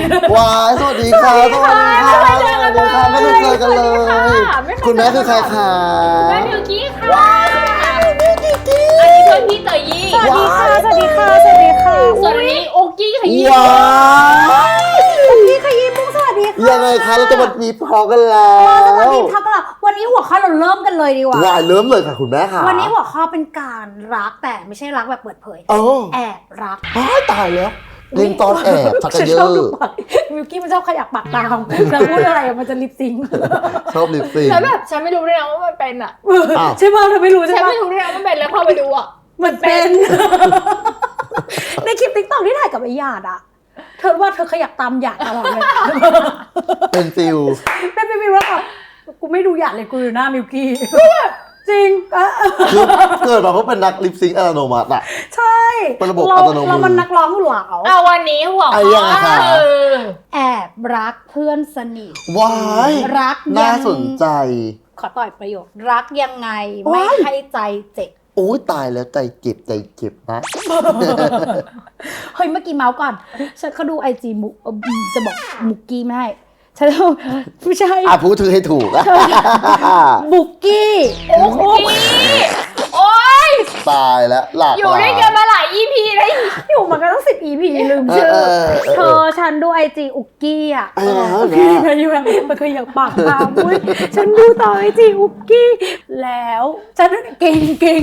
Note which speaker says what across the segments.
Speaker 1: ว้ายสวัสดีค่ะสวัสดีค่ะสวัสดีค่ะไม่ได้เจอกันเลยคุณแม่คือใครคะ
Speaker 2: แม่มิวกี้ค่ะอันนี้เพื่อนพี่เตยยี่
Speaker 3: สวัสดีค่ะสวัสดีค่ะสวัสดีค่ะ
Speaker 2: ส่วนอันนี้โอกี้ขยี้
Speaker 1: ว้า
Speaker 3: โอกี้ขยี้มุ้งสวัสดีค่ะ
Speaker 1: ยังไงคะเราจะมามีพอกันแล้ว
Speaker 3: สวัสดีทักกันแล้ววันนี้หัวข้อเราเริ่มกันเลยดีกว่า
Speaker 1: เริ่มเลยค่ะคุณแม่ค่ะ
Speaker 3: วันนี้หัวข้อเป็นการรักแต่ไม่ใช่รักแบบเปิดเผยแอบรัก
Speaker 1: ตายแล้วเล่นตอนแอบชักเยอะ
Speaker 3: มิวกี้มันชอบขยับปากตามแล้วพูดอะไรมันจะลิปซิง
Speaker 1: ชอบลิปซิง
Speaker 2: แล้วแบบฉันไม่รู้ด้วยนะว่ามันเป็นอ่ะ
Speaker 3: ใช่ป่ะเธอไม่รู้ใช่
Speaker 2: ป่ะฉัน
Speaker 3: ไม่
Speaker 2: รู้ด้วยนะว่ามันเป็นแล้วพอไปดูอ่ะ
Speaker 3: มันเป็นในคลิปติ๊กต็อกที่ถ่ายกับไอ้หยาดอ่ะเธอว่าเธอขยับตามหยาดตลอดเลย
Speaker 1: เป็นฟิล
Speaker 3: เป็นฟิลแล้วแบบกูไม่ดูหยาดเลยกูอยู่หน้ามิวกี้จริง
Speaker 1: เกิดมาเพราะเป็นนักลิปซิงค์อัตโนมัติอ่ะ
Speaker 3: ใช่
Speaker 1: เป็นระบบอัตโนมัติ
Speaker 3: เรามันนักร้องหลาว
Speaker 2: วันนี้หัวข้อ
Speaker 3: แอบรักเพื่อนสนิท
Speaker 1: ว้าย
Speaker 3: รัก
Speaker 1: น่าสนใจ
Speaker 3: ขอต่อยประโยครักยังไงไม่ให้ใจเจ็บ
Speaker 1: โอ้ยตายแล้วใจเจ็บนะ
Speaker 3: เฮ้ยเมื่อกี้เมาส์ก่อนฉันเขาดูไอจีมุกจะบอกมุกกี้ไม่ให้ฉันไม่ใช่
Speaker 1: พูดถือให้ถูก
Speaker 3: บุกกี้
Speaker 2: โอ้ย
Speaker 1: ตายแล้วหลัก
Speaker 2: อยู่ด้วยกันมาหลาย EP เลย
Speaker 3: อยู่มากันตั้ง10 EP ลืมชื่อเธอฉันดูไอจีอุกกี้อ่ะ
Speaker 1: พี่
Speaker 3: มาอยู่แบบมันเคยอยากปากตามอุ้ยฉันดูต่อไอจีอุกกี้แล้วฉันเก่ง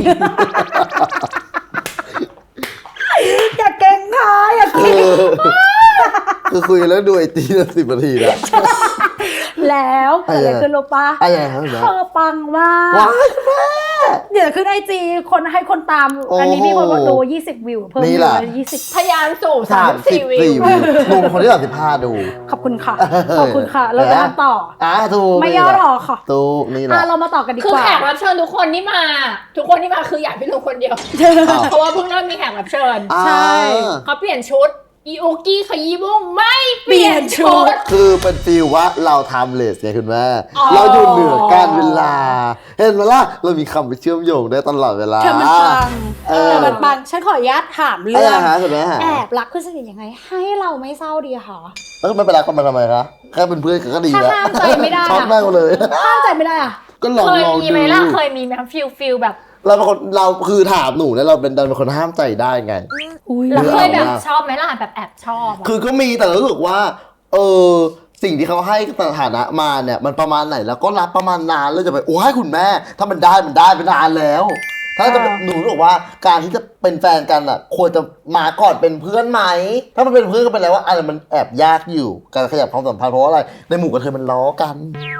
Speaker 3: อย่าเก่งค่ะอย่าเก่ง
Speaker 1: คือคุยแล้วดูไอจี10 นาทีนะ
Speaker 3: แล้วอะไรขึ้นโลปะเธอปังมากเดี๋ยวขึ้นไอจีคนให้คนตามอันนี้มีคนมาดู20 วิวเพิ่ม
Speaker 1: อี
Speaker 3: ก20
Speaker 2: พยานสู่34 วิว
Speaker 1: หนุ่มคนที่35ดู
Speaker 3: ขอบคุณค่ะเราจะต่อ
Speaker 1: ถูก
Speaker 3: ไม่ย่อหรอค่ะ
Speaker 1: ถูกนี่แหละ
Speaker 3: เรามาต่อกันดีกว่า
Speaker 2: คือแขกรับเชิญทุกคนที่มาคืออยากพี่ลุงคนเดียวเพราะว่าเพิ่งเริ่มมีแขกรับเชิญ
Speaker 3: ใช่
Speaker 2: เขาเปลี่ยนชุดอีโอกี้ขยี้บุ้งไม่เปลี่ยนชุด
Speaker 1: คือเป็นฟีลว่าเราทำเลสไงคุณแม่เราอยู่เหนือการเวลาเห็นไหมล่ะเรามีคำไปเชื่อมโยงได้ตลอดเวลา
Speaker 3: มันปังฉันขออนุญาตถามเรื่องแอบรักเพื่อนสนิทยังไงให้เราไม่เศร้าดีคะ
Speaker 1: ไม่เป็นไรกันมาทำไมคะแค่เป็นเพื่อนก็ดีแล้ว
Speaker 3: ห้ามใจไม่ได้
Speaker 1: ชอบมากเลย
Speaker 3: ห้ามใจไม่ได้อะ
Speaker 1: ก็ลองดู
Speaker 2: เคยมีไหมล่ะเคยมีไหมฟิลแบบ
Speaker 1: เราคือถามหนูเนี่ยเราเป็นคนห้ามใจได้ไง
Speaker 2: เราเคยแบบชอบไหมล่ะแบบแอบชอบ
Speaker 1: คือก็มีแต่รู้สึกว่าสิ่งที่เขาให้สถานะมาเนี่ยมันประมาณไหนแล้วก็รับประมาณนานแล้วจะไปโอ้ให้คุณแม่ถ้ามันได้ไปนานแล้วถ้าจะหนูบอกว่าการที่จะเป็นแฟนกันอ่ะควรจะมาก่อนเป็นเพื่อนไหมถ้ามันเป็นเพื่อนก็เป็นแล้วว่าอะไรมันแอบยากอยู่การขยับความสัมพันธ์เพราะอะไรในหมู่กันเธอมันล้อกัน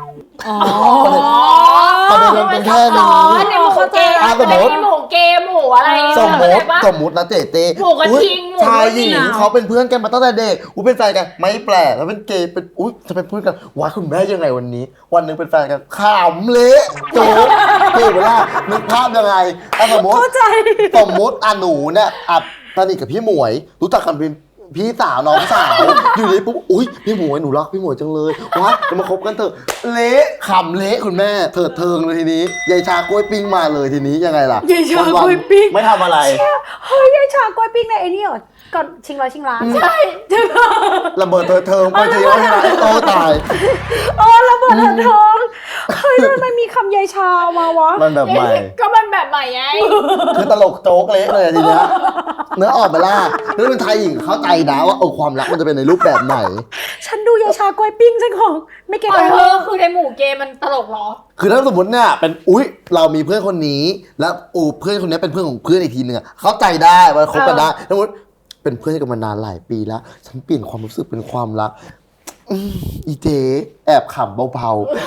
Speaker 1: ประเด็นมันเป็นแค่นี้
Speaker 2: ในหมู่เกมหมู่อะไร
Speaker 1: สมมตินะเต้
Speaker 2: หมู่กระทิง
Speaker 1: ชายหญิงเขาเป็นเพื่อนกันมาตั้งแต่เด็กเป็นแฟนกันไม่แปลกแล้วเป็นเกย์เป็นจะเป็นเพื่อนกันว้าคุณแม่ยังไงวันนี้วันนึงเป็นแฟนกันขำเละโจ๊กเวลานึกภาพยังไงสมมติหนูเนี่ยสนิทกับพี่หมวยรู้จักกันเป็นพี่สาวน้องสาวอยู่ในปุ๊บพี่หมวยหนูรักพี่หมวยจังเลยว้าจะมาคบกันเถอะเละขำเละคุณแม่เถิดเทิงเลยทีนี้ยายชากล้วยปิ้งมาเลยทีนี้ยังไงล่ะ
Speaker 3: ยายชากล้วยปิ้ง
Speaker 1: ไม่ทำอะไร
Speaker 3: เฮ้ยยายชากล้วยปิ้งในไอ้นี่เหรอก่อนชิงร้อยชิงล้าน
Speaker 2: ใช่
Speaker 1: ระเบิดเถิดเทิงไปเจอยังไงตาย
Speaker 3: ระเบิดเถิดเทิงเฮ้ยทำไมมีคำยายชามาวะ
Speaker 1: มันแบบใหม่
Speaker 2: ก็มันแบบใหม่ไง
Speaker 1: คือตลกโจ๊กเละเลยทีเนี้ยเนื้อออกมาล่ะนี่เป็นไทยหญิงเข้าใจนะว่าความรักมันจะเป็นในรูปแบบไหน
Speaker 3: ฉันดูยายชากล้วยปิ้งฉันของไม่เก็ตเลย
Speaker 2: คือในหมู่เกมมันตลกหรอ
Speaker 1: คือถ้าสมมติเนี่ยเป็นเรามีเพื่อนคนนี้แล้วเพื่อนคนนี้เป็นเพื่อนของเพื่อนอีกทีนึงเข้าใจได้ว่าคบกันได้สมมติเป็นเพื่อนกันมานานหลายปีแล้วฉันเปลี่ยนความรู้สึกเป็นความรักอีเจแอบขำเบา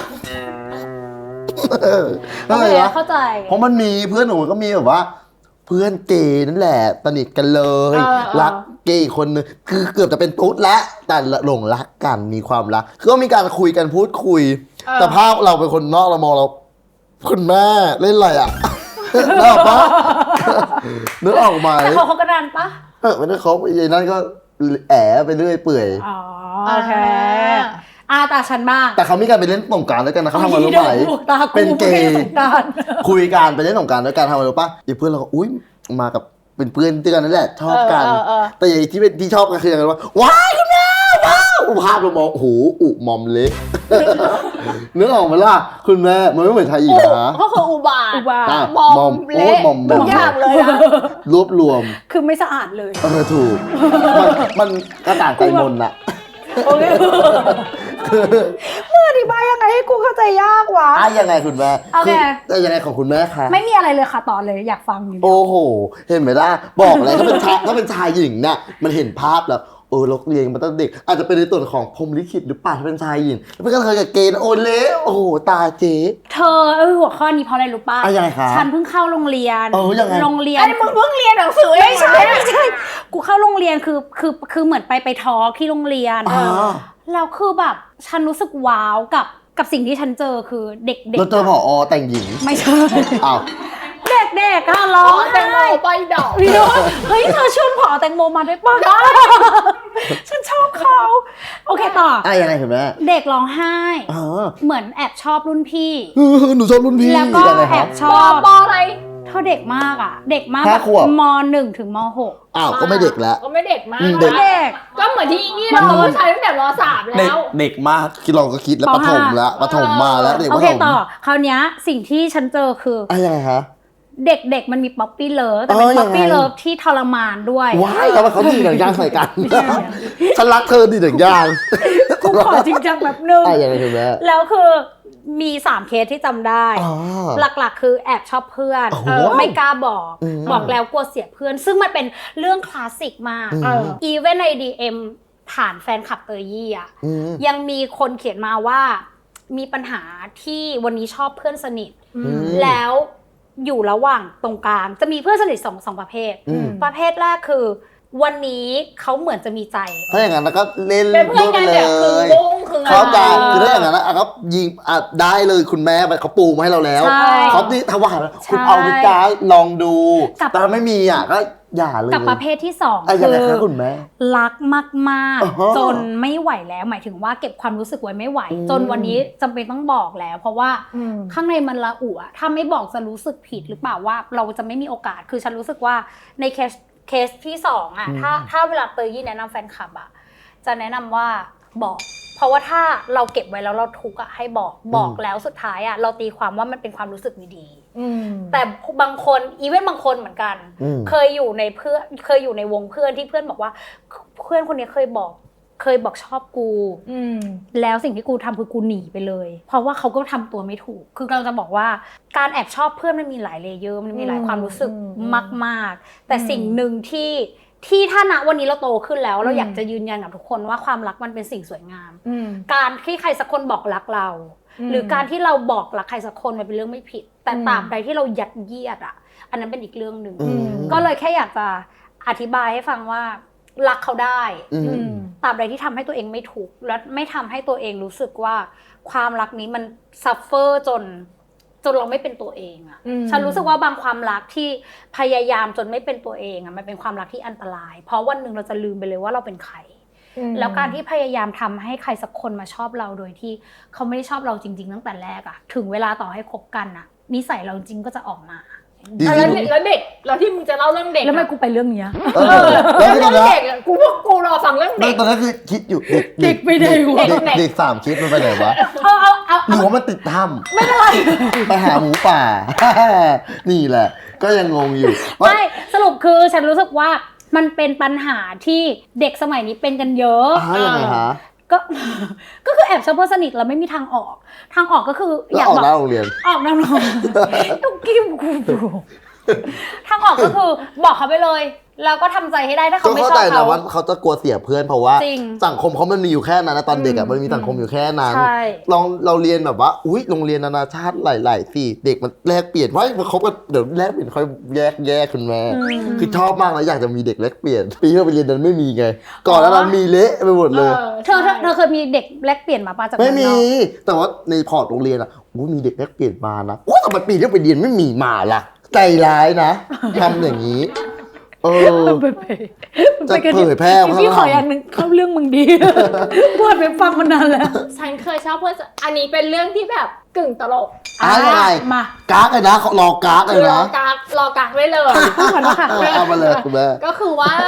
Speaker 3: ๆเข้าใจ
Speaker 1: เพราะมันมีเพื่อนหนูก็มีแบบว่าเพื่อนเกย์นั่นแหละสนิทกันเลยรักเกย์คนนึงคือเกือบจะเป็นตุ๊ดแล้วแต่หลงรักกันมีความรักคือก็มีการคุยกันพูดคุยแต่ภาพเราเป็นคนนอกเรามองเราคุณแม่เล่นอะไรอ่ะนึกออกปะนึกออกไหม
Speaker 3: แต่เขากันนานปะ
Speaker 1: ไม่ได้เขาไอ้นั่นก็แอบไปเรื่อยเปื่อย
Speaker 3: โอเคตาฉันมาก
Speaker 1: แต่เขามีการไปเล่นสงกรานต์ด้วยกันนะเขาทำมารู้ไหมเป็นเกย์คุยกันไปเล่นสงกรานต์ด้วยกันทำมารู้ปะอีเพื่อนเราก็มากับเป็นเพื่อนด้วยกันนั่นแหละชอบกันแต่อย่างที่ชอบกันคืออย่างไรว่าว้ายคุณแม่ว้าวอุภาพเรามองโอ้โหอุมอมเละนึกออกไหมล่ะคุณแม่มันไม่เหมือนไทยอีกนะ
Speaker 2: ก็คืออุบาท
Speaker 1: อ่ะ
Speaker 2: มอมเละ
Speaker 1: มอม
Speaker 2: ทุกอย่างเลยอะ
Speaker 1: รวบรวม
Speaker 3: คือไม่สะอาดเลย
Speaker 1: ถูกมันกระต่างใจมนอะ
Speaker 3: โอเคมึงอธิบายยังไงให้กูเข้าใจยากวะ
Speaker 1: ยังไงคุณแม่
Speaker 3: โอเค
Speaker 1: แต่ยังไงของคุณแม่คะ
Speaker 3: ไม่มีอะไรเลยค่ะต่อเลยอยากฟังอยู่
Speaker 1: โอ้โห เห็นไหมล่ะ บอกเลยถ้าเป็นชายหญิงเนี่ยมันเห็นภาพแล้วเราเรียนมาตั้งเด็ก อาจจะเป็นในส่วนของพรหมลิขิตหรือเปล่าถ้าเป็นชายหญิงเป็นกันเคยกับเกณฑ์โอเล่โอ้โหตาเจ๊
Speaker 3: เธอหัวข้อนี้เพราะอะไรรู้ป่ะ
Speaker 1: ยังไงคะ
Speaker 3: ฉันเพิ่งเข้าโรงเรียน
Speaker 1: ยังไง
Speaker 3: โรงเรียน
Speaker 2: ไอ้มึงเพิ่งเรียนหนังสือเอง
Speaker 3: ไม่ใช่กูเข้าโรงเรียนคือเหมือนไปทอล์กที่โรงเรียนแล้วคือแบบฉันรู้สึกว้าวกับสิ่งที่ฉันเจอคือเด็กๆ
Speaker 1: เราเจอผอแต่งหญิง
Speaker 3: ไม่ใช่
Speaker 1: อ้าว
Speaker 3: เด็กๆอะร้อง
Speaker 2: แตงโม
Speaker 3: ไห้
Speaker 2: ไปดอก
Speaker 3: พี่โน้ตเฮ้ยเธอชวนผอแตงโมมาได้ป่ะฉันชอบเขาโอเคต่อ
Speaker 1: ยังไงคุณแม่
Speaker 3: เด็กร้องไห้ เหมือนแอบชอบรุ่นพี่
Speaker 1: หนูชอบรุ่นพี่
Speaker 3: แล้วก็
Speaker 1: ยังไงค
Speaker 3: แอ
Speaker 1: รับบ
Speaker 3: ชอบ
Speaker 2: ปออะไร
Speaker 3: เธอเด็กมากอ่ะ เด็กมาก
Speaker 1: 5 ขวบ
Speaker 3: ม.1 ถึงม.6
Speaker 1: ก็ไม่เด็กแล้ว
Speaker 2: ก็ไม่เด็กมาก
Speaker 1: เด็ก
Speaker 3: เด็ก
Speaker 2: ก็เหมือนที่นี่เราก็ใช้ตั้งแต่ม3แล้ว
Speaker 1: เด็กมากคิดลองก็คิดแล้ว
Speaker 3: ป
Speaker 1: ปฐมแล้วปฐมมาแล้วเด็ก
Speaker 3: โอ
Speaker 1: ป
Speaker 3: เค
Speaker 1: ฐม
Speaker 3: ต่อคราวเนี้ยสิ่งที่ฉันเจอคือ
Speaker 1: ยังไงคะ
Speaker 3: เด็กๆมันมีป๊อปปี้เลิฟแต่เป็นป๊อปปี้เลิฟที่ทรมานด้วย
Speaker 1: ว้ายทำไมเขาดีหนังยางใส่กันฉันรักเธอดีหนังยาง
Speaker 3: กูขอจริงจังแบบนึง
Speaker 1: ยังไงคุณแม่
Speaker 3: แล้วคือมี3เคสที่จำได้ หลักๆคือแอบชอบเพื่อน ไม่กล้าบอกแล้วกลัวเสียเพื่อน ซึ่งมันเป็นเรื่องคลาสสิกมากอีเวนใน DM ฐานแฟนคลับเตยยี่อะยังมีคนเขียนมาว่ามีปัญหาที่วันนี้ชอบเพื่อนสนิทแล้วอยู่ระหว่างตรงกลางจะมีเพื่อนสนิทสองประเภทประเภทแรกคือวันนี้เขาเหมือนจะมีใจ
Speaker 1: ถ้าอย่างนั้นแล้วก็เล่น
Speaker 2: เป็นเพื่อนกันเนี่ยคือ
Speaker 1: เลย
Speaker 2: วงคือ
Speaker 1: เขาจะคือถ้าอย่างนั้นก็ยิงได้เลยคุณแม่เขาปูมาให้เราแล้วเขาที่ถวายคุณเอาไปจ้าลองดูแต่ถ้าไม่มีก็อย่าเลย
Speaker 3: กับประเภทที่2
Speaker 1: ยังไงคะคุณแม่
Speaker 3: รักมากๆจนไม่ไหวแล้วหมายถึงว่าเก็บความรู้สึกไว้ไม่ไหวจนวันนี้จำเป็นต้องบอกแล้ว เพราะว่าข้างในมันละอุถ้าไม่บอกจะรู้สึกผิดหรือเปล่าว่าเราจะไม่มีโอกาสคือฉันรู้สึกว่าในเคสที่2ถ้าเวลาเตยยี่แนะนำแฟนคลับจะแนะนำว่าบอกเพราะว่าถ้าเราเก็บไว้แล้วเราทุกข์ให้บอกแล้วสุดท้ายเราตีความว่ามันเป็นความรู้สึกไม่ดีแต่บางคนอีเวนต์บางคนเหมือนกันเคยอยู่ในวงเพื่อนที่เพื่อนบอกว่าเพื่อนคนนี้เคยบอกชอบกูแล้วสิ่งที่กูทำคือกูหนีไปเลยเพราะว่าเขาก็ทำตัวไม่ถูกคือเราจะบอกว่าการแอบชอบเพื่อนมันมีหลายเลเยอร์มันมีหลายความรู้สึกมากๆแต่สิ่งหนึ่งที่ถ้าณวันนี้เราโตขึ้นแล้วเราอยากจะยืนยันกับทุกคนว่าความรักมันเป็นสิ่งสวยงามการที่ใครสักคนบอกรักเราหรือการที่เราบอกรักใครสักคนมันเป็นเรื่องไม่ผิดแต่ตราบใดที่เรายัดเยียดอันนั้นเป็นอีกเรื่องหนึ่งก็เลยแค่อยากจะอธิบายให้ฟังว่ารักเขาได้ตราบใดที่ทำให้ตัวเองไม่ถูกและไม่ทำให้ตัวเองรู้สึกว่าความรักนี้มันซัฟเฟอร์จนเราไม่เป็นตัวเองฉันรู้สึกว่าบางความรักที่พยายามจนไม่เป็นตัวเองมันเป็นความรักที่อันตรายเพราะวันหนึ่งเราจะลืมไปเลยว่าเราเป็นใครแล้วการที่พยายามทำให้ใครสักคนมาชอบเราโดยที่เขาไม่ได้ชอบเราจริงๆตั้งแต่แรกถึงเวลาต่อให้คบกันนิสัยเราจริงก็จะออกมา
Speaker 2: แล้วเด็กแล้วที่มึงจะเล่าเรื่องเด็ก
Speaker 3: แล้วทำไมกูไปเรื่องนี้
Speaker 2: แล้วเรื่องเด็กกูรอฟังเรื่องเด็ก
Speaker 1: ตอนนั้นคือคิดอยู่เด็กไปไหนวะเด็ก3คิดมันไปไหนวะหรือว่ามันติดถ้ำไม่เป็นไรไปหาหมูป่านี่แหละก็ยังงงอยู่
Speaker 3: ไม่สรุปคือฉันรู้สึกว่ามันเป็นปัญหาที่เด็กสมัยนี้เป็นกันเยอะ
Speaker 1: ยังไงฮะ
Speaker 3: ก็คือแอบชอบเพื่อนสนิทแล้วไม่มีทางออกก็คือ
Speaker 1: อยากออกนอกโรงเรียน
Speaker 3: ออกนอกโรงเรียนตุ๊กกิ้มกูทางออกก็คือบอกเขาไปเลยแล้วก็ทำใจให้ได้ถ้าเขาไม่ชอบเขา
Speaker 1: ว่าเขาจะกลัวเสียเพื่อนเพราะว่าสังคมเขามันมีอยู่แค่นั้นนะตอนเด็กมันมีสังคมอยู่แค่นั้นเราเรียนแบบว่าอุ้ยโรงเรียนนานาชาติหลายๆที่เด็กมันแลกเปลี่ยนว่าเขาก็เดี๋ยวแลกเปลี่ยนค่อยแยกคุณแม่คือชอบมากนะอยากจะมีเด็กแลกเปลี่ยนปีที่เราไปเรียนนั้นไม่มีไงก่อนแล้วเรามีเละไปหมดเลย
Speaker 3: เธอเคยมีเด็กแลกเปลี่ยนมาป่ะจาก
Speaker 1: ไม่มีแต่ว่าในพอร์ตโรงเรียนมีเด็กแลกเปลี่ยนมานะแต่ปีที่ไปเรียนไม่มีมาล่ะใจร้ายนะทำอย่างนี้จะเผยแพร่
Speaker 3: พี่ขออย่างหนึ่งเข้าเรื่องมึงดีพูดไปฟังมานานแล้ว
Speaker 2: ฉันเคยชอบเพื่อนอันนี้เป็นเรื่องที่แบบกึ่งตลก
Speaker 1: อะไรมากากเลยนะรอกากเลยนะ
Speaker 2: รอกากไว้เลย
Speaker 1: เอามาเลยคุณแม่
Speaker 2: ก็คือว่าฉ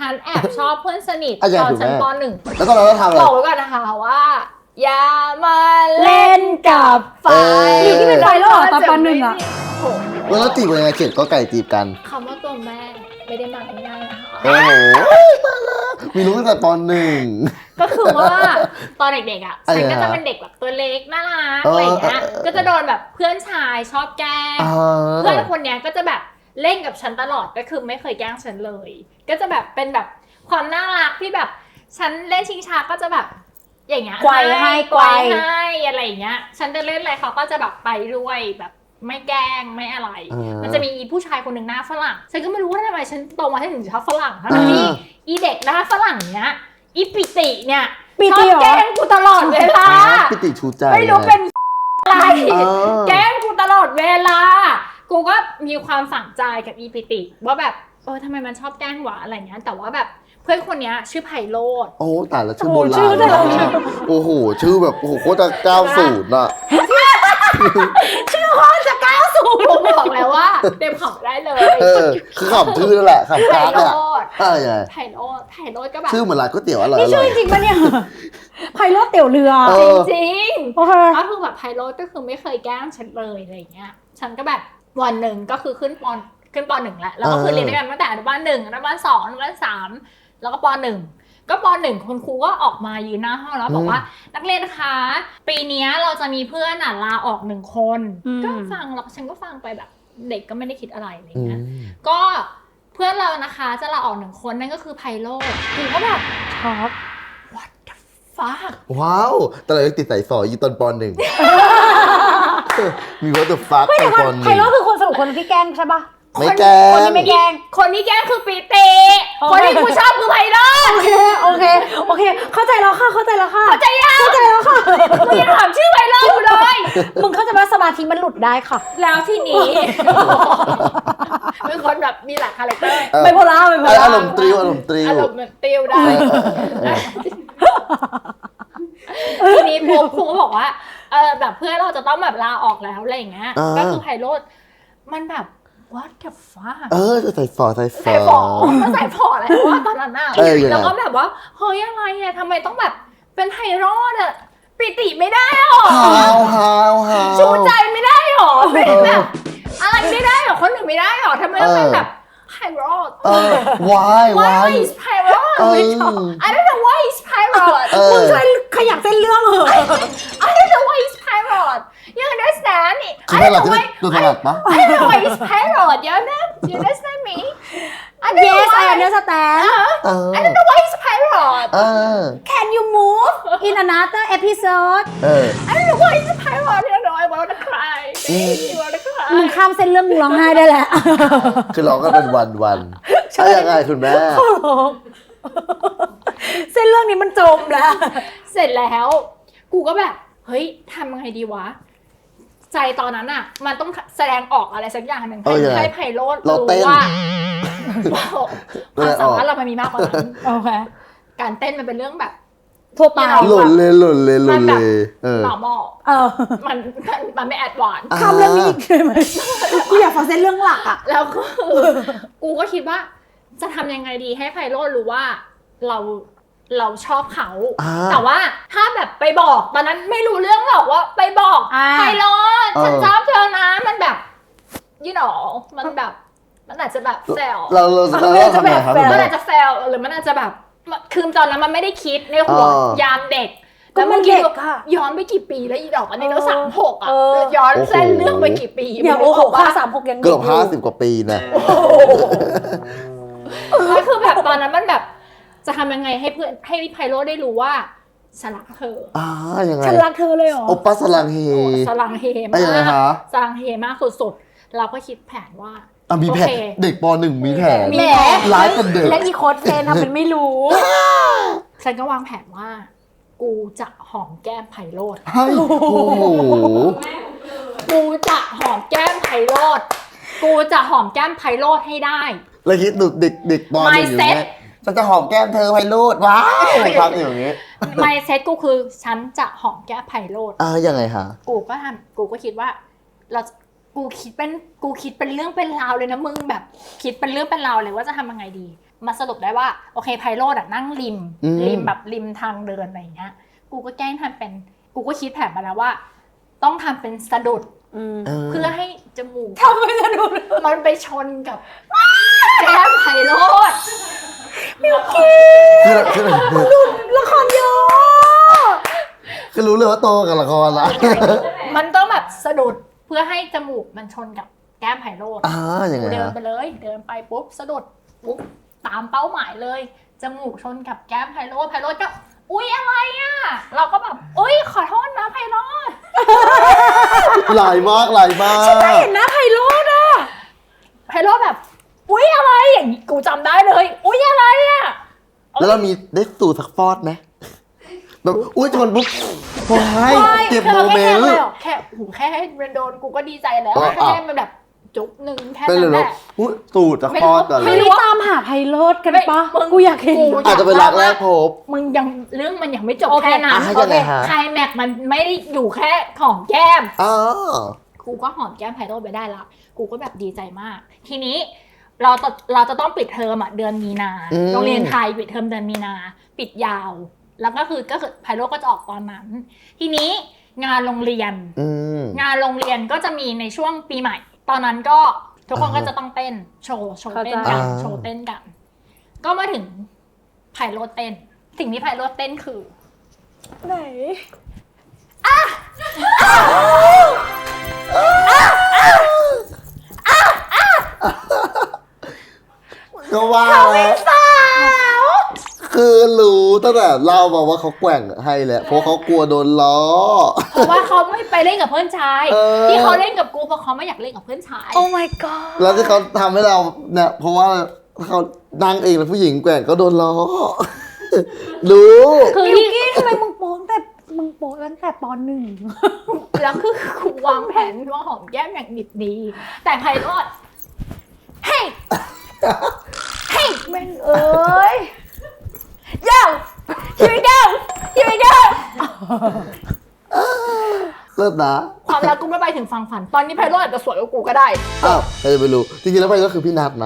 Speaker 2: ฉันแอบชอบเพื่อนสนิท
Speaker 1: อ่ะอย่า
Speaker 2: ตอน
Speaker 1: ถูก
Speaker 2: ชั้น
Speaker 1: แม่
Speaker 2: ป .1
Speaker 1: แล้วตอนนั้นเราทำอะไร
Speaker 2: บอกไว้ก่อนนะคะว่า อย่ามาเล่
Speaker 3: เล่
Speaker 2: น
Speaker 3: นกับไฟ
Speaker 1: อยู่ที่เป็นไฟ
Speaker 3: แล้วเหรอตอนปหนึ่งอะ
Speaker 2: โอ้โห
Speaker 1: แล้วเราจีบกันยังไงเขียนก็ไก่จีบกัน
Speaker 2: คำว่าตัวแม่ไม่ได้มาง่ายๆนะคะ
Speaker 1: โอ้โหมีรู้ตั้งแต่ตอนหนึ่ง
Speaker 2: ก็คือว่าตอนเด็กๆอ่ะ
Speaker 1: อะไร
Speaker 2: ฉันก็
Speaker 1: ฮะ
Speaker 2: จะเป็นเด็กแบบตัวเล็กน่ารัก
Speaker 1: เอออ
Speaker 2: อะไรอย่างเงี้ยก็จะโดนแบบเพื่อนชายชอบแกล้ง เพื่อนคนเนี้ยก็จะแบบเล่นกับฉันตลอดก็คือไม่เคยแกล้งฉันเลย ก็จะแบบเป็นแบบความน่ารักที่แบบฉันเล่นชิงช้าก็จะแบบอย่างเงี้ย
Speaker 3: ไกวให้
Speaker 2: ไกวให้อะไรอย่างเงี้ยฉันจะเล่นอะไรเขาก็จะแบบไปด้วยแบบไม่แกล้งไม่อะไร มันจะมีผู้ชายคนหนึ่งหน้าฝรั่งฉันก็ไม่รู้ว่าทำไมฉันโตมาถึงชอบฝรั่งทั้งที่อีเด็กหน้าฝรั่งเนี้ยอีปิติเนี่ย
Speaker 3: ปิ
Speaker 2: ชอ
Speaker 3: ติ
Speaker 2: บ
Speaker 3: เหรอ
Speaker 2: แกล้งกูตลอดเวลา
Speaker 1: ปิติชูใจ
Speaker 2: ไม่รู้เป็นอะไร
Speaker 1: เออ
Speaker 2: แกล้งกูตลอดเวลา กูก็มีความฝังใจกับอีปิติว่าแบบทำไมมันชอบแกล้งหวะอะไรเงี้ยแต่ว่าแบบเพื่อนคนเนี้ยชื่อไพโรจน์
Speaker 1: โอ้แต่ละชื่อ
Speaker 3: โอ้
Speaker 1: โบ
Speaker 3: โหชื่
Speaker 1: รา
Speaker 3: อ
Speaker 1: ณ
Speaker 3: แต่ละ
Speaker 1: มากโอ้โห ชื่อแบบโอ้โหโคตร90อ่ะ
Speaker 2: ชื่อพ่อจะก้าวสู่ผมบอกแล้วว่าเต็มขำได้เลย
Speaker 1: คือขำชื่อนั่นแหละขำ
Speaker 2: ไพ
Speaker 1: กราฟ
Speaker 2: โร
Speaker 1: เนี่ย
Speaker 2: จน์
Speaker 1: ยังไง
Speaker 2: ไพโรจน์ไพโรจน์ก็แบบ
Speaker 1: ชื่อเหมือนร้านก๋วยเตี๋ยวอร่อย
Speaker 3: นี่ชื่อจริงปะเนี่ยไพโรจน์เตี๋ยวเรือ
Speaker 1: เออ
Speaker 2: จริง
Speaker 3: โอเค
Speaker 2: ๆก็คือแบบไพโรจน์ก็คือไม่เคยแกล้งฉันเลยอะไรเงี้ยฉันก็แบบวันหนึ่งก็คือขึ้นป.1แล้วแล้วก็คือเรียนด้วยกันตั้งแต่อนุบาล1อนุบาล2อนุบาล3แล้วก็ป.1ก็ป.1คุณครูก็ออกมายืนหน้าห้องแล้วบอกว่านักเรียนคะปีนี้เราจะมีเพื่อนลาออก1 คนก็ฟังแล้วฉันก็ฟังไปแบบเด็กก็ไม่ได้คิดอะไรอะไรเงี้ยก็เพื่อนเรานะคะจะลาออก1 คนนั่นก็คือไพโรจน์ครูก็แบบ
Speaker 3: ช็อก
Speaker 2: what the fuck
Speaker 1: ว้าวแต่เรายังติดสายฝออยู่ตอนป .1 มีวัตถุฟักตอนป
Speaker 3: ไพโรจน์คือคนสรุปคนที่แกล้งใช่ปะ
Speaker 1: .1 ไม่แกล้
Speaker 3: คน
Speaker 1: ง
Speaker 3: ที่ไม่แกล้ง
Speaker 2: คนที่แกล้งคือปีเต
Speaker 3: โอเค
Speaker 2: คนที่กูชอบคือไพโรจน์
Speaker 3: โอเคเข้าใจแล้วค่ะเข้าใจแล้วค่ะ
Speaker 2: เข้าใจยัง
Speaker 3: เข้าใจแล้วค่ะ
Speaker 2: กูยังถามชื่อไพโรจน์อยู่เลย
Speaker 3: มึงเข้าใจว่าสมาธิมันหลุดได้ค่ะ
Speaker 2: แล้วที่นี้ เป็นคนแบบมีหลายคาแรคเตอร์
Speaker 3: ไบโพล่า
Speaker 1: อารมณ์ตริวอารมณ์ตริว
Speaker 2: อารมณ์เหมือนติวได้
Speaker 1: เออ
Speaker 2: ทีนี้ปุ๊บครูก็บอกว่าแบบเพื่อนเราจะต้องแบบลาออกแล้วอะไรอย่างเงี้ย ก็คือไพโรจน์มันแบบ what the fuck
Speaker 1: ใส่ฝอ
Speaker 2: ใส่ฝอมันใส่ฝออะไรวะตอนนั้นน่ะ
Speaker 1: ยังไง
Speaker 2: แล้วก็แบบว่าเฮ้ยอะไรอะทำไมต้องแบบเป็นไพโรจน์อะปิติไม่ได้หรอ
Speaker 1: ฮาว
Speaker 2: ชูใจไม่ได้หรอเป็นแบบอะไรไม่ได้หรอคนหนึ่งไม่ได้หรอทำไมต้องเป็นแบบไพโรจน์
Speaker 1: why
Speaker 2: why is Pirate ไม่ชอบ I don't know why is Pirate
Speaker 3: มึงช่วยขยับเส้นเรื่องเหอะ
Speaker 2: I don't know why is Pirate you understand
Speaker 1: คือ
Speaker 2: I
Speaker 1: แม่
Speaker 2: don't
Speaker 1: เรา
Speaker 2: know
Speaker 1: จะ
Speaker 2: why
Speaker 1: ตัวถนัดปะ
Speaker 2: I don't know why is Pirate you understand me I don't know
Speaker 3: Yes I
Speaker 2: why
Speaker 3: understand
Speaker 2: I don't know why is Pirate
Speaker 3: Can you move in another episode
Speaker 2: I don't know why is Pirate you know I wanna cry baby I wanna
Speaker 3: มึง
Speaker 2: cry
Speaker 3: ข้ามเส้นเรื่องมึงร้องไห้ได้แหละ
Speaker 1: คือร้องกันเป็นวันๆใช่ยังไงคุณแม่
Speaker 3: เส้นเรื่องนี้มันจมแล้ว
Speaker 2: เสร็จแล้วกูก็แบบเฮ้ยทำไงดีวะใจตอนนั้นอ่ะมันต้องแสดงออกอะไรสักอย่างหนึ่งให้ไพโรจน์
Speaker 1: เรา
Speaker 2: รู้
Speaker 1: เต้น
Speaker 2: ว่าความสามารถเรามันมีมากกว่านั้น
Speaker 3: โอเค
Speaker 2: การเต้นมันเป็นเรื่องแบบ
Speaker 3: ทั่วไป
Speaker 1: หล่นเลย
Speaker 2: normal มันไม่แอดวานซ์
Speaker 3: คำเรื่องนี้อีกเลยไหมกูอยากฟังเส้นเรื่องหลักอ่ะ
Speaker 2: แล้วก็กูก็คิดว่าจะทำยังไงดีให้ไพโรจน์รู้ว่าเราชอบเขา แต่ว่าถ้าแบบไปบอกตอนนั้นไม่รู้เรื่องหรอกว่าไปบอกไพโรจน์ฉันชอบเธอนะมันแบบyou know มันแบบมันอาจจะแบบแซว
Speaker 1: เราทำไงครับคุณ
Speaker 2: มัน
Speaker 1: แม่
Speaker 2: อาจจะแซวหรือมันอาจจะแบบคือตอนนั้นมันไม่ได้คิดในหัว
Speaker 1: อ๋อ
Speaker 2: ยามเด็ก
Speaker 3: ก็มัน
Speaker 2: คิ
Speaker 3: เด็กอะ
Speaker 2: ย้อนไปกี่ปีแล้วอีดอกอันนี้เรา36อ่ะ
Speaker 3: เออ
Speaker 2: ย้อนเส้นเรื่องไปกี่ปี
Speaker 3: อย่าโอ้โหค่า36ยัง
Speaker 1: เกือบ
Speaker 3: ยู่
Speaker 1: 50 กว่าปีนะ
Speaker 2: ก็คือแบบตอนนั้นมันแบบจะทำยังไงให้เพื่อนให้ไพโรจน์ได้รู้ว่าฉันรักเธอ
Speaker 1: ยังไง
Speaker 3: ฉันรักเธอเลยเหรอ
Speaker 1: โอปัสลังเฮ
Speaker 2: สลังเฮ
Speaker 1: ยังไง
Speaker 2: มาก
Speaker 1: คะ
Speaker 2: สลังเฮมากสุดๆเราก็คิดแผนว่า
Speaker 1: มีแผน
Speaker 2: โอเค
Speaker 1: เด็กป .1 มีแผน
Speaker 2: มี
Speaker 3: แหม
Speaker 1: ร้ายกับเด็ก
Speaker 3: และอีโค้ดเฟนทำเป็นไม่รู้
Speaker 2: ฉันก็วางแผนว่า กูจะหอมแก้มไพโรจน์
Speaker 1: ให้โอ้โห
Speaker 2: กูจะหอมแก้มไพโรจน์กูจะหอมแก้มไพโรจน์ให้ได้
Speaker 1: แล้วคิดดูเด็กป .1 อยู่เงี้ยฉันจะหอมแก้มเธอไพโรดว้าวพักอย่างเงี้ย
Speaker 2: mindset กูคือฉันจะหอมแก้มไพโรจน์
Speaker 1: ยังไงฮะ
Speaker 2: กูก็คิดว่ากูคิดเป็นเรื่องเป็นราวเลยนะมึงแบบคิดเป็นเรื่องเป็นราวเลยว่าจะทำยังไงดีมาสรุปได้ว่าโอเคไพโรดอะนั่งริมแบบริมทางเดินอะไรอย่างเงี้ยกูก็แกล้งทำเป็นกูก็คิดแผนมาแล้วว่า ต้องทำเป็นสะดุดเพื่อให้จมูก
Speaker 3: ทำไม่สะดุด
Speaker 2: มันไปชนกับแก้มไพโรด
Speaker 3: ละครเยอะ
Speaker 1: คือรู้เลยว่าโตกับละครละ
Speaker 2: มันต้องแบบสะดุดเพื่อให้จมูกมันชนกับแก้มไพโรด
Speaker 1: อย่างไง
Speaker 2: เดิน
Speaker 1: ฮะ
Speaker 2: ไปเลยเดินไปปุ๊บสะดุดปุ๊บตามเป้าหมายเลยจมูกชนกับแก้มไพโรดก็อุ๊ยอะไรอ่ะเราก็แบบอุ๊ยขอโทษนะไพโรด
Speaker 1: หลายมาก
Speaker 3: ฉันไม่เห็นหน้าไพโรดอ่ะ
Speaker 2: ไพโรดแบบอุ๊ยอะไรอย่างนี้กูจำได้เลยอุ๊ยอะไรอ่ะ
Speaker 1: แล้วเรามีได้สูตรสักฟอดไหมแบบอุ้ยชนปุ๊บว้ายเก็บโมเมนต์
Speaker 2: แค่ให้มันโดนกูก็ดีใจแล้ว
Speaker 1: อ๋อ
Speaker 2: แค่ให้มันแบบจุ๊บหนึ่งแค่
Speaker 1: เป็นเล
Speaker 2: นั้
Speaker 1: ย
Speaker 2: น
Speaker 1: เหร
Speaker 2: แห
Speaker 1: อ
Speaker 2: ละ
Speaker 1: อุ้ยสูตรสักฟอดก่อนเล
Speaker 3: ไม่
Speaker 1: ย
Speaker 3: ได้ตามหาไพโรดกันปะกูอยากเห็น
Speaker 1: อาจจะเป็นรักแรกพบ
Speaker 2: มึงยังเรื่องมันยังไม่จบ
Speaker 3: โอเค
Speaker 2: แค่นั้น
Speaker 1: ยังไงฮะ
Speaker 2: ไคลแม็กซ์มันไม่ได้อยู่แค่หอมแก้ม
Speaker 1: อ๋อ
Speaker 2: กูก็หอมแก้มไพโรดไปได้ละกูก็แบบดีใจมาก ทีนี้เราจะต้องปิดเทอมอ่ะเดือนมีนา โรงเรียนไทยปิดเทอมเดือนมีนา ปิดยาว แล้วก็คือไพโรดก็จะออกตอนนั้น ทีนี้งานโรงเรียน งานโรงเรียนก็จะมีในช่วงปีใหม่ ตอนนั้นก็ทุกคนก็จะต้องเต้นโชว์เต้นกันโชว์เต้นกัน ก็มาถึงไพโรดเต้น สิ่งที่ไพโรดเต้นคือ
Speaker 3: ไหน
Speaker 1: ก็ว่าคือรู้ตั้งแต่เล่ามาว่าเขาแกว่งให้แหละเพราะเขากลัวโดนล้อ
Speaker 2: เพราะว่าเขาไม่ไปเล่นกับเพื่อนชาย
Speaker 1: อ
Speaker 2: ที่เขาเล่นกับกูเพราะเขาไม่อยากเล่นกับเพื่อนชาย
Speaker 3: โอ้ my god
Speaker 1: แล้วที่เขาทำให้เราเนี่ยเพราะว่าเขานั่งเองแล้วผู้หญิงแกว่งก็โดนล้อ รู้
Speaker 2: คือ
Speaker 3: บิว
Speaker 2: ที่
Speaker 3: กี้ทำไมมึงโป๊ตั้งแต่ปหนึ่ง
Speaker 2: แล้วคือกูวางแผนว่าหอมแก้มอย่างดิบดี แต่ไพโรดเฮ้ยเฮ้ย
Speaker 3: แม่งเอ้ย
Speaker 2: yo here we go here we go
Speaker 1: เลิศนะ
Speaker 2: ความรักกูไม่ไปถึงฝั่งฝัน ตอนนี้ไพโรดอาจจะสวยกว่ากูก็ได้
Speaker 1: อ้าวใครจะไปรู้จริงๆแล้วไปก็คือพี่นัทนะ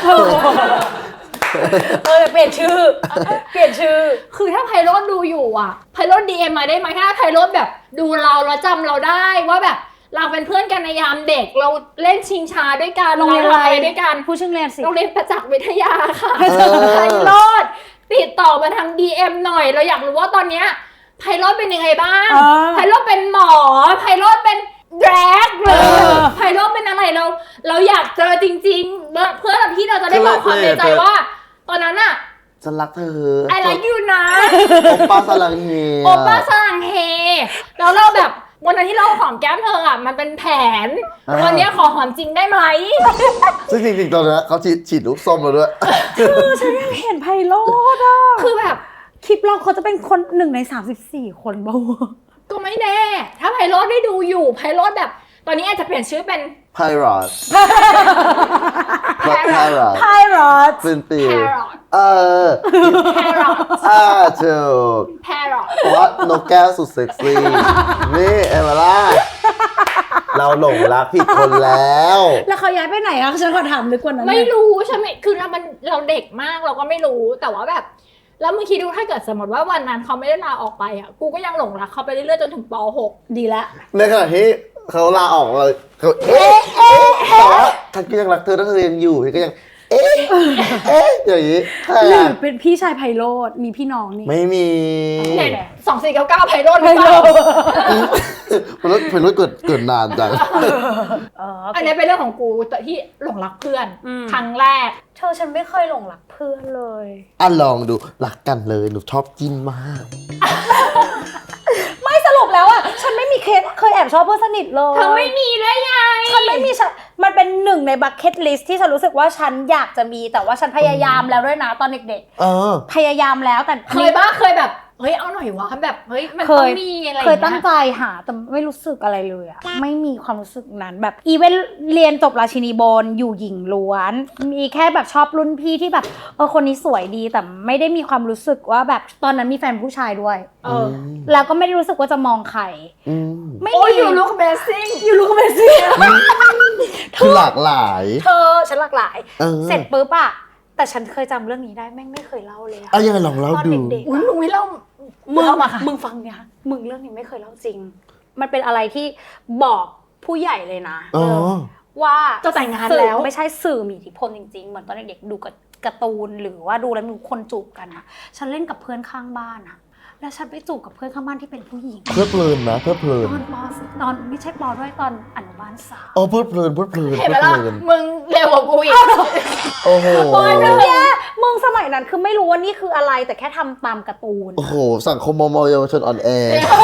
Speaker 3: เปลี่ยนชื่อ
Speaker 2: คือถ้าไพโรดดูอยู่อ่ะไพโรด DM มาได้ไหมถ้าไพโรดแบบดูเราแล้วจำเราได้ว่าแบบเราเป็นเพื่อนกันในยามเด็กเราเล่นชิงช้าด้วยกัน
Speaker 3: โรงเรียนอะไร
Speaker 2: ด้วยกัน
Speaker 3: ผู้ชื่อเรียนสิ
Speaker 2: โรงเรียนประจักษ์วิทยาค่ะ
Speaker 1: เออ
Speaker 2: ไพโรดติดต่อมาทาง DM หน่อยเราอยากรู้ว่าตอนเนี้ยไพโรดเป็นยังไงบ้างไพโรดเป็นหมอไพโรดเป็นแดรกเลยไพโรดเป็นอะไรเราอยากเจอจริงๆเพื่อที่เราจะได้บอกความในใจว่า ตอนนั้นอะ
Speaker 1: ฉันรักเธอ
Speaker 2: I like you นะ
Speaker 1: โอป้าสลังเฮ
Speaker 2: โอป้าสลังเฮแล้วเราแบบวันนั้นที่เราหอมแก้มเธออะมันเป็นแผนวันเนี้ยขอหอมจริงได้ไหม
Speaker 1: ซึ่งจริงๆตอนนั้นเขาฉีดลูกส้มมาด้วย
Speaker 3: ฉันยังเห็นไพโรดอ่ะ
Speaker 2: คือแบบ
Speaker 3: คลิปเราเขาจะเป็นคน1 ใน 34 คนบ้าง
Speaker 2: ก็ไม่แน่ ถ้าไพโรดได้ดูอยู่ไพโรดแบบ ตอนนี้อาจจะเปลี่ยนชื่อเป็น
Speaker 1: ไพรอดไพรอด
Speaker 3: ไพโรด
Speaker 1: เป็นปี
Speaker 2: Parrot
Speaker 1: Parrot ถูก
Speaker 2: Parrot
Speaker 1: เพราะว่านกแก้วสุดเซ็กซี่ นี่เอเมล่า เราหลงรักผิดคนแล้ว
Speaker 3: แล้วเขาย้ายไปไหนอะฉันขอถามลึกกว่านั้น
Speaker 2: ไม่รู้ใช่ไหมคือเราเด็กมากเราก็ไม่รู้แต่ว่าแบบ แล้วมึงคิดดูถ้าเกิดสมมติว่าวันนั้นเขาไม่ได้ลาออกไปอ่ะกูก็ยังหลงรักเขาไปเรื่อยๆจนถึงป .6
Speaker 3: ดีละ
Speaker 1: ในขณะที่เขาลาออกเลยเขาแต่ว่าฉันก็ยังรักเธอถ้าเธอยังอยู่ฉันก็ยังอย่างนี้ใช่
Speaker 3: หรือ
Speaker 1: อะ
Speaker 3: เป็นพี่ชายไพโรดมีพี่น้องนี่
Speaker 1: ไม่มี
Speaker 2: เห็น2499ไพโรดหรือเปล่า
Speaker 1: เป็นรถเกิดนานจัง
Speaker 2: อันนี้เป็นเรื่องของกูแต่ที่หลงรักเพื่อนครั้งแรก
Speaker 3: เธอฉันไม่เคยหลงรักเพื่อนเลย
Speaker 1: อ่ะลองดูรักกันเลยหนูชอบจิ้นมาก
Speaker 3: ไม่สรุปแล้วอ่ะฉันไม่มีเคยแอบชอบเพื่อนสนิทเลย
Speaker 2: เธอไม่มีได้ไง
Speaker 3: ฉันไม่มีมันเป็นหนึ่งในบัคเก็ตลิสต์ที่ฉันรู้สึกว่าฉันอยากจะมีแต่ว่าฉันพยายามแล้วด้วยนะตอนเด็ก
Speaker 1: เออ
Speaker 3: ๆพยายามแล้วแต่
Speaker 2: เคยบ้าเคยแบบเฮ้ยเอาหน่อยวะแบบเฮ้ยมัน
Speaker 3: เค
Speaker 2: ต้อง
Speaker 3: ย
Speaker 2: มีอะไร
Speaker 3: เคยตั้งใจหาแต่ไม่รู้สึกอะไรเลยอะไม่มีความรู้สึกนั้นแบบอีเวนต์เรียนจบราชินีบนอยู่หญิงล้วนมีแค่แบบชอบรุ่นพี่ที่แบบคนนี้สวยดีแต่ไม่ได้มีความรู้สึกว่าแบบตอนนั้นมีแฟนผู้ชายด้วย แล้วก็ไม่ได้รู้สึกว่าจะมองใครไม่
Speaker 2: โอ้ย
Speaker 3: มี
Speaker 2: อยู่ลุคเบสซิ่ง
Speaker 3: อยู่รู้ก็ไม่สิ
Speaker 1: คือหลากหลาย
Speaker 3: เธอฉันหลากหลาย
Speaker 1: เออ
Speaker 3: เสร็จปุ๊บอะแต่ฉันเคยจำเรื่องนี้ได้แม่งไม่เคยเล่าเลยอะ
Speaker 1: อ่ะยังไงลองเล่า
Speaker 3: ตอน
Speaker 1: ดู
Speaker 3: เด็กๆ
Speaker 2: อุ้ย
Speaker 3: อะ
Speaker 2: มึงไม่เล่า
Speaker 3: มึง
Speaker 2: เล่ามาค่ะ
Speaker 3: มึงฟังเนี่ยมึงเรื่องนี้ไม่เคยเล่าจริง มันเป็นอะไรที่บอกผู้ใหญ่เลยนะ
Speaker 1: อ๋อ
Speaker 3: ว่า
Speaker 2: จะแต่งงาน
Speaker 3: สื่อ
Speaker 2: แล้ว
Speaker 3: ไม่ใช่สื่อมีอิทธิพลจริงๆ เหมือนตอนเด็กๆดูกับการ์ตูนหรือว่าดูแล้วมีคนจูบกันอะฉันเล่นกับเพื่อนข้างบ้านอะแล้วฉันไปจูบกับเพื่อนข้างบ้านที่เป็นผู้หญิง
Speaker 1: เพลิดเพลินนะเพลิดเพลิน
Speaker 3: ตอนไม่ใช่ปอด้วยตอนอนุบาลสาม
Speaker 1: อ๋อเพลิดเพลินเพลิดเพลิน
Speaker 2: เห็น
Speaker 1: เพ
Speaker 2: ไหม
Speaker 1: ลิด
Speaker 2: ล่ะ
Speaker 1: เพลิน
Speaker 2: มึงเร็วกว่ากูอีก
Speaker 1: โอ้โห
Speaker 3: เนี่ยมึงสมัยนั้นคือไม่รู้ว่านี่คืออะไรแต่แค่ทำตามการ์ตูน
Speaker 1: โอ้โหสังคมมอเยาวชนอ่อนแอ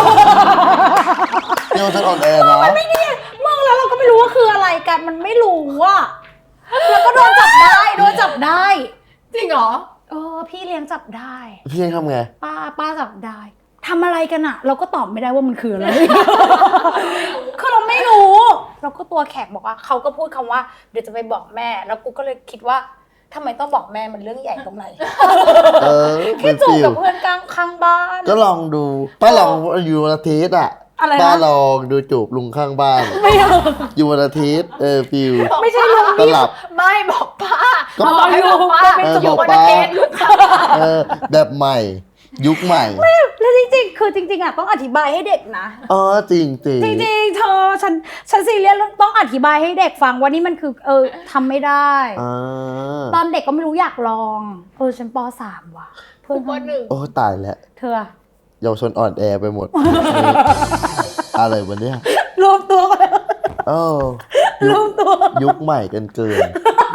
Speaker 1: เยาวชนอ่อนแอนะ
Speaker 3: มึงแล้วเราก็ไม่รู้ว่าคืออะไรกันมันไม่รู้อะแล้วก็โดนจับได้
Speaker 2: จริงเหรอ
Speaker 3: พี่เลี้ยงจับได้
Speaker 1: พี่ยังทำไง
Speaker 3: ป้าจับได้ทำอะไรกันอะเราก็ตอบไม่ได้ว่ามันคืออะไร คือเราไม่รู้ เราก็ตัวแข็งบอกว่าเขาก็พูดคำว่าเดี๋ยวจะไปบอกแม่ แล้วกูก็เลยคิดว่าทำไมต้องบอกแม่มันเรื่องใหญ่ตรงไหน
Speaker 1: เป็
Speaker 3: แค่
Speaker 1: น
Speaker 3: จูบ
Speaker 1: ฟิล
Speaker 3: กับเพื่อนข้างบ้าน
Speaker 1: ก็ลองดูป้าลองอยู่วันอาทิตย์อ่ะ
Speaker 3: อะไรนะ
Speaker 1: ป้าลองดูจูบลุงข้างบ้าน
Speaker 3: ไม่เอา
Speaker 1: อยู่วันอาทิตย์ฟิล
Speaker 3: ไม่ใช่ลุง
Speaker 1: ตลับ
Speaker 2: ไม่บอกป้า
Speaker 1: ก็
Speaker 2: บอกให้บอกป้า
Speaker 1: บอก
Speaker 2: วัน
Speaker 1: ป้า
Speaker 2: อาทิตย์ลูกค้า
Speaker 1: แบบใหม่ ยุคใหม่
Speaker 3: แล้วจริงๆคือจริงๆอะต้องอธิบายให้เด็กนะ
Speaker 1: อ๋อจริงจริง
Speaker 3: จริงๆเธอฉันซีเรียสต้องอธิบายให้เด็กฟังว่านี่มันคือทำไม่ได้ ตอนเด็กก็ไม่รู้อยากลองฉันป .3 ว่ะเพื่อน
Speaker 2: วันหนึ่ง
Speaker 1: โอ้ตายแล้ว
Speaker 3: เธอ
Speaker 1: เยาวชนอ่อนแอไปหมด อะไรวะเนี่ย
Speaker 3: รวมตัวกันแล้ว
Speaker 1: เออ
Speaker 3: รวมตัว
Speaker 1: ยุคใหม่กันเกิน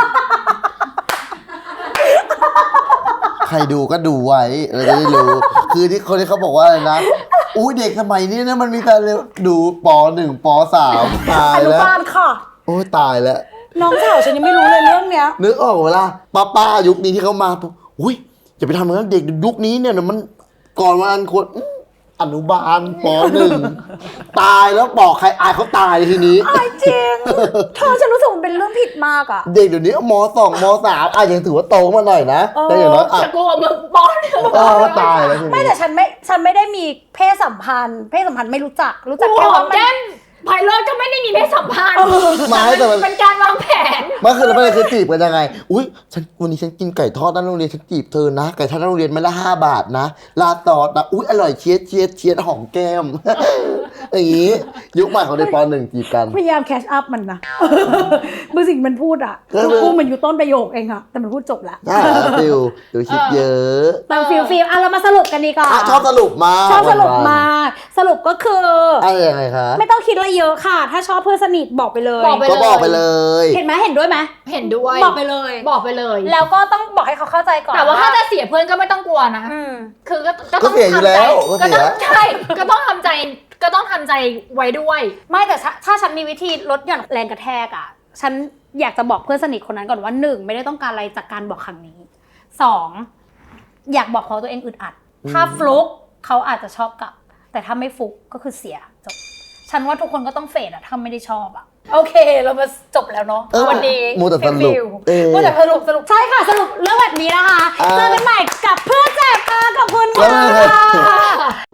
Speaker 1: ใครดูก็ดูไว้เราจะได้รู้ คือที่คนที่เขาบอกว่าอะไรนะอุ้ยเด็กสมัยนี้นะมันมีการดูป .1 ป .3 ตาย
Speaker 3: อนุ
Speaker 1: แล้ว
Speaker 3: บาลค่ะ
Speaker 1: โอ้ยตายแล้ว
Speaker 3: น้องสาวฉันยังไม่รู้เลยเรื่องเนี้ย
Speaker 1: นึกออกเวลาป้ายุคนี้ที่เขามาปุ๊บอุ้ยอย่าไปทำเหมือนเด็กยุคนี้เนี่ยมันก่อนวันควรอนุบาลป .1 ตายแล้วบอกใครอายเขาตายทีนี้
Speaker 3: อายจริงเธอฉันรู้สึกมันเป็นเรื่องผิดมากอ่ะ
Speaker 1: เด็กเดี๋ยวนี้ม .2 ม .3 ยังถือว่าโตมาหน่อยนะแต่อย่างน้อย
Speaker 2: จะกลัวมึงปอนหนึ่ง
Speaker 1: ตายแล้วที
Speaker 3: ไม่
Speaker 1: นี้
Speaker 3: แต่ฉันไม่ได้มีเพศสัมพันธ์ไม่รู้จัก
Speaker 2: กู
Speaker 3: แค่
Speaker 2: หอ
Speaker 3: ว่าม มัน
Speaker 2: แก้มไพโรจน์ก็ไม่ได้มีเพศสัมพันธ์
Speaker 1: ไม่แต่มัน
Speaker 2: เป็นการวางแผน
Speaker 1: มันคือประเด็นคือจีบกันยังไง อุ้ยวันนี้ฉันกินไก่ทอดหน้าโรงเรียนฉันจีบเธอนะ ไก่ทอดหน้าโรงเรียนไม่ละ5 บาทนะลาดซอสนะอุ้ยอร่อยเชียดหอมแก้ม อย่างนี้ยุคใหม่ของเด็กป .1 จีบกัน
Speaker 3: พยายามแคชอัพมันนะ บางสิ่งมันพูดอ่ะ
Speaker 1: ก็เลย
Speaker 3: พูดมันอยู่ต้นประโยคเองอะแต่มันพูดจบแล้ว
Speaker 1: ได้ฟิลดูคิดเยอะ
Speaker 3: แต่ฟิลเรามาสรุปกันดีกว่า
Speaker 1: ชอบสรุปมา
Speaker 3: ชอบสรุป
Speaker 1: วันๆ
Speaker 3: มาสรุปก็คือ
Speaker 1: อะไรยังไงคะ
Speaker 3: ไม่ต้องคิดอะไรเยอะค่ะ ถ้าชอบเพื่อนสนิทบอกไปเลย
Speaker 2: บอกไป
Speaker 1: ก็บอกไปเลย
Speaker 3: เห็นไหมเห็นด้วยไหม
Speaker 2: เห็นด้วย
Speaker 3: บอกไปเลย
Speaker 2: บอกไปเลย
Speaker 3: แล้วก็ต้องบอกให้เขาเข้าใจก่อน
Speaker 2: แต่ว่าถ้าจะเสียเพื่อนก็ไม่ต้องกลัวนะ
Speaker 3: อืม
Speaker 2: คือก็
Speaker 1: ก็
Speaker 2: ต้อง
Speaker 1: เสียอยู่แล้วก็
Speaker 2: ก็
Speaker 1: เสี
Speaker 2: ต้
Speaker 1: ย
Speaker 2: องใช่ก็ต้องทำใจไว้ด้วย
Speaker 3: ไม่แต่ถ้าฉันมีวิธีลดหย่อนแรงกระแทกอ่ะ ฉันอยากจะบอกเพื่อนสนิทคนนั้นก่อนว่า1ไม่ได้ต้องการอะไรจากการบอกครั้งนี้2อยากบอกเขาตัวเองอึดอัด ถ้าฟลุกเขาอาจจะชอบกลับ แต่ถ้าไม่ฟลุกก็คือเสียจบฉันว่าทุกคนก็ต้องเฟดอะถ้าไม่ได้ชอบอะโอเคเรามาจบแล้วเนาะวันนี้
Speaker 1: มูแต่สรุป
Speaker 3: ฟิลมูแต่สรุปใช่ค่ะสรุปเรื่องแบบนี้นะคะเจอกันใหม่กับเพื่อนแจกค่ะขอบคุณ
Speaker 1: แล้วไง
Speaker 3: ค่ะ